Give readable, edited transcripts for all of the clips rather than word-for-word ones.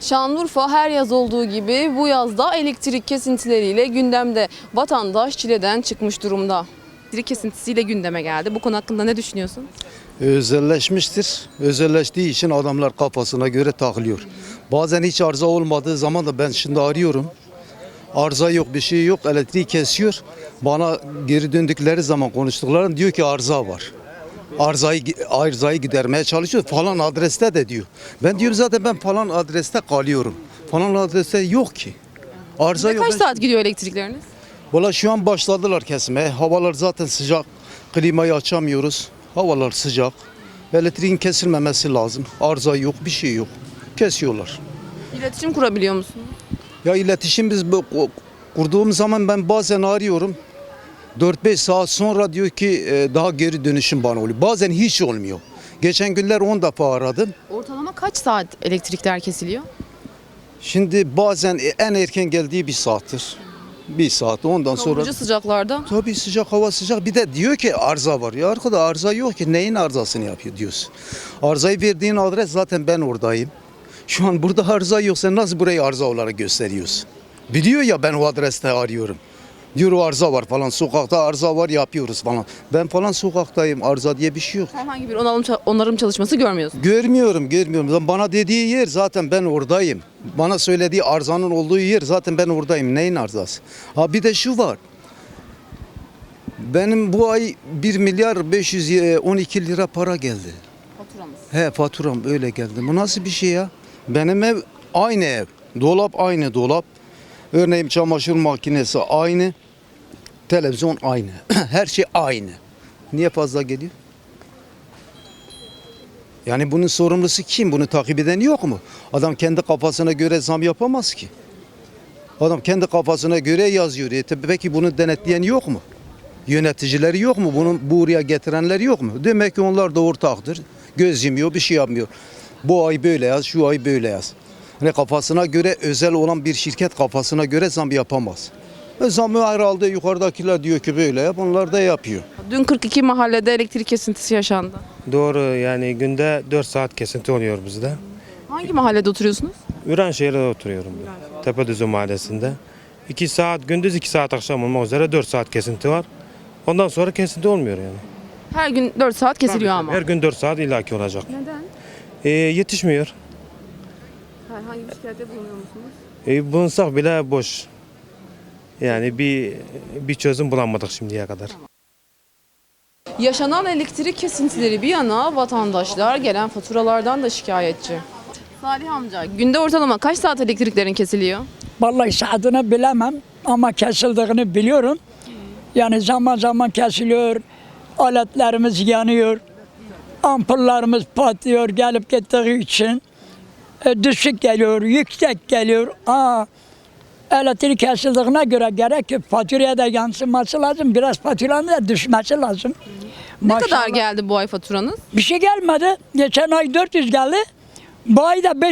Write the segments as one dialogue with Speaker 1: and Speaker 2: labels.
Speaker 1: Şanlıurfa her yaz olduğu gibi bu yazda elektrik kesintileriyle gündemde. Vatandaş çileden çıkmış durumda. Elektrik kesintisiyle gündeme geldi. Bu konu hakkında ne düşünüyorsun?
Speaker 2: Özelleşmiştir. Özelleştiği için adamlar kafasına göre takılıyor. Bazen hiç arıza olmadığı zaman da ben şimdi arıyorum. Arıza yok, bir şey yok, elektriği kesiyor. Bana geri döndükleri zaman konuştuklarında diyor ki arıza var. Arızayı gidermeye çalışıyor. Falan adreste de diyor. Ben diyorum zaten ben falan adreste kalıyorum. Falan adreste yok ki. Arıza yok.
Speaker 1: Kaç saat gidiyor elektrikleriniz?
Speaker 2: Valla şu an başladılar kesmeye. Havalar zaten sıcak. Klimayı açamıyoruz. Havalar sıcak. Elektriğin kesilmemesi lazım. Arıza yok, bir şey yok. Kesiyorlar.
Speaker 1: İletişim kurabiliyor musun?
Speaker 2: Ya iletişim biz kurduğum zaman ben bazen arıyorum. 4-5 saat sonra diyor ki daha geri dönüşüm bana oluyor. Bazen hiç olmuyor. Geçen günler 10 defa aradım.
Speaker 1: Ortalama kaç saat elektrikler kesiliyor?
Speaker 2: Şimdi bazen en erken geldiği bir saattir. Bir saat ondan sonra.
Speaker 1: Kavurucu sıcaklarda.
Speaker 2: Tabii sıcak hava sıcak. Bir de diyor ki arıza var. Ya arkada arıza yok ki. Neyin arızasını yapıyor diyorsun. Arızayı verdiğin adres zaten ben oradayım. Şu an burada arıza yok. Sen nasıl burayı arıza olarak gösteriyorsun? Biliyor ya ben o adreste arıyorum. Diyor o arıza var falan. Sokakta arıza var yapıyoruz falan. Ben falan sokaktayım. Arıza diye bir şey yok.
Speaker 1: Herhangi bir onarım çalışması görmüyorsun.
Speaker 2: Görmüyorum. Bana dediği yer zaten ben oradayım. Bana söylediği arızanın olduğu yer zaten ben oradayım. Neyin arızası? Ha bir de şu var. Benim bu ay 1 milyar 512 lira para geldi.
Speaker 1: Faturamız.
Speaker 2: He faturam öyle geldi. Bu nasıl bir şey ya? Benim ev aynı ev. Dolap aynı dolap. Örneğin çamaşır makinesi aynı. Televizyon aynı. Her şey aynı. Niye fazla geliyor? Yani bunun sorumlusu kim? Bunu takip eden yok mu? Adam kendi kafasına göre zam yapamaz ki. Adam kendi kafasına göre yazıyor. Peki bunu denetleyen yok mu? Yöneticileri yok mu? Bunu buraya getirenler yok mu? Demek ki onlar da ortaktır. Göz yumuyor, bir şey yapmıyor. Bu ay böyle yaz, şu ay böyle yaz. Hani kafasına göre özel olan bir şirket kafasına göre zam yapamaz. Zamı herhalde yukarıdakiler diyor ki böyle yap, onlar da yapıyor.
Speaker 1: Dün 42 mahallede elektrik kesintisi yaşandı.
Speaker 3: Doğru, yani günde 4 saat kesinti oluyor bizde.
Speaker 1: Hangi mahallede oturuyorsunuz?
Speaker 3: Ürenşehir'de oturuyorum ben. Tepedüzü mahallesinde. 2 saat gündüz 2 saat akşam olmak üzere 4 saat kesinti var. Ondan sonra kesinti olmuyor yani.
Speaker 1: Her gün 4 saat kesiliyor ama.
Speaker 3: Her gün 4 saat illaki olacak.
Speaker 1: Neden?
Speaker 3: Yetişmiyor.
Speaker 1: Herhangi bir şikayette bulunuyor musunuz?
Speaker 3: Bulunsak bile boş. Yani bir çözüm bulamadık şimdiye kadar.
Speaker 1: Yaşanan elektrik kesintileri bir yana vatandaşlar gelen faturalardan da şikayetçi. Salih amca, günde ortalama kaç saat elektriklerin kesiliyor?
Speaker 4: Vallahi saatini bilemem ama kesildiğini biliyorum. Yani zaman zaman kesiliyor, aletlerimiz yanıyor, ampullerimiz patlıyor gelip gittiği için. Düşük geliyor, yüksek geliyor. Elektrik kesildiğine göre gerek ki faturaya da yansıması lazım. Biraz faturanın da düşmesi lazım.
Speaker 1: Ne kadar geldi bu ay faturanız?
Speaker 4: Bir şey gelmedi. Geçen ay 400 geldi. Bu ay da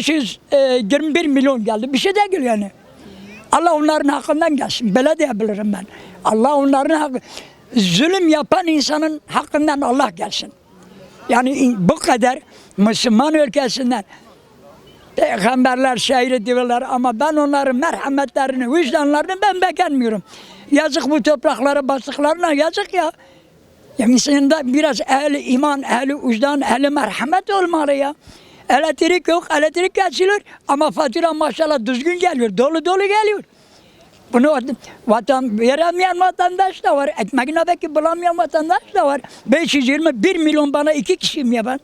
Speaker 4: 521 milyon geldi. Bir şey değil yani. Allah onların hakkından gelsin. Böyle diyebilirim ben. Allah onların hakkı. Zulüm yapan insanın hakkından Allah gelsin. Yani bu kadar Müslüman ülkesinden peygamberler şehir diyorlar ama ben onların merhametlerini, vicdanlarını ben beğenmiyorum. Yazık bu topraklara bastıklarına yazık ya. Yani insanda biraz ehli iman, ehli vicdan, ehli merhamet olmalı ya. Elektrik yok, elektrik kesiliyor ama fatura maşallah düzgün geliyor, dolu dolu geliyor. Bunu veremeyen vatandaş da var, ekmeğine belki bulamayan vatandaş da var. 521 milyon bana 2 kişiyim ya ben.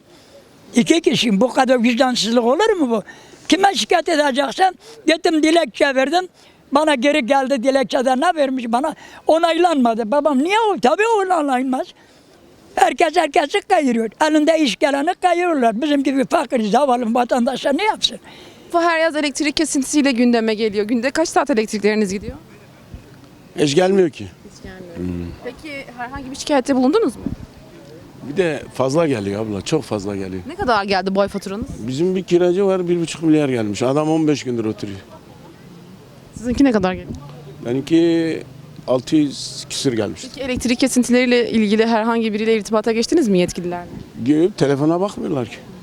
Speaker 4: 2 kişiyim, bu kadar vicdansızlık olur mu bu? Kime şikayet edeceksem gittim dilekçe verdim. Bana geri geldi dilekçede ne vermiş bana? Onaylanmadı. Babam niye o? Tabii onaylanmaz. Herkes herkesi kayırıyor. Elinde iş geleni kayırıyorlar. Bizim gibi fakir, zavallı vatandaşlar ne yapsın?
Speaker 1: Her yaz elektrik kesintisiyle gündeme geliyor. Günde kaç saat elektrikleriniz gidiyor?
Speaker 5: Hiç gelmiyor ki.
Speaker 1: Hiç gelmiyor. Peki herhangi bir şikayette bulundunuz mu?
Speaker 5: Bir de fazla geliyor abla, çok fazla geliyor.
Speaker 1: Ne kadar geldi bu ay faturanız?
Speaker 5: Bizim bir kiracı var, 1,5 milyar gelmiş. Adam 15 gündür oturuyor.
Speaker 1: Sizinki ne kadar geliyor?
Speaker 5: Benimki 600 küsür gelmiş.
Speaker 1: Peki elektrik kesintileriyle ilgili herhangi biriyle irtibata geçtiniz mi yetkililerle?
Speaker 5: Gelip telefona bakmıyorlar ki.